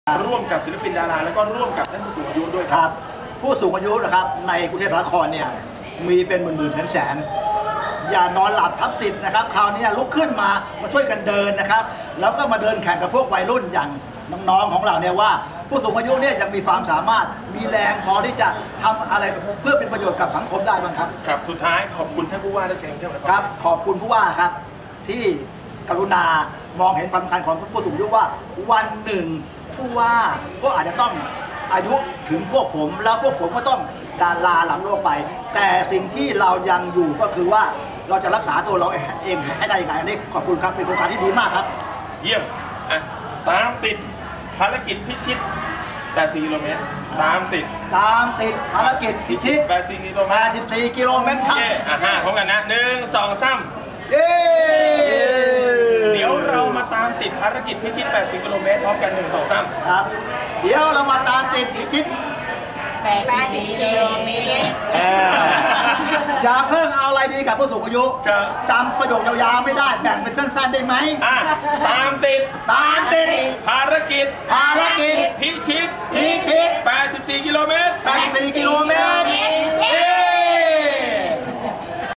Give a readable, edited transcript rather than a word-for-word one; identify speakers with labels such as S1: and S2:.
S1: ร่วมกับศิลปินดาราแล้วก็ร่วมกับท่านผู้สูงอายุด้วย
S2: ครับผู้สูงอายุนะครับในกรุงเทพมหานครเนี่ยมีเป็นหมื่นแสนอย่านอนหลับทับสิทธิ์นะครับคราวนี้ลุกขึ้นมาช่วยกันเดินนะครับแล้วก็มาเดินแข่งกับพวกวัยรุ่นอย่างน้องๆของเราเนี่ยว่าผู้สูงอายุเนี่ยยังมีความสามารถมีแรงพอที่จะทำอะไรเพื่อเป็นประโยชน์กับสังคมได้บ้างครับ
S1: ครับสุดท้ายขอบคุณท่านผู้ว่าราชการกรุงเทพมหานคร
S2: ครับขอบคุณผู้ว่าครับที่กรุณามองเห็นความสำคัญของผู้สูงอายุว่าวันหนึ่งผู้ว่าก็อาจจะต้องอายุถึงพวกผมแล้วพวกผมก็ต้องดาราหลังโลกไปแต่สิ่งที่เรายังอยู่ก็คือว่าเราจะรักษาตัวเราเองให้ได้ยังไงอันนี้ขอบคุณครับเป็นโครงการที่ดีมากครับ
S1: เยี่ยมตามติดภารกิจพิชิต84 กิโลเมตรตามติด
S2: ภารกิจพิชิต
S1: 84 กิโลเมตร
S2: 84 กิโลเมตรครับ
S1: พร้อมกันนะ1 2 3
S2: เย้
S1: เดี๋ยวเรามาตามติดภารกิจพิชิต80 กิโลเมตรพร้อมกัน1 2 3
S2: ครับเดี๋ยวเรามาตามติดพิชิต
S3: 84 กิโลเมตร
S2: อย่าเพิ่งเอาอะไรดีกับผู้สูงอายุจำประโยคยาวๆไม่ได้แบ่งเป็นสั้นๆได้ไหม
S1: ตามติดภารกิจ
S2: พิชิต
S1: 84 กิโลเมตร
S2: 84 กิโลเม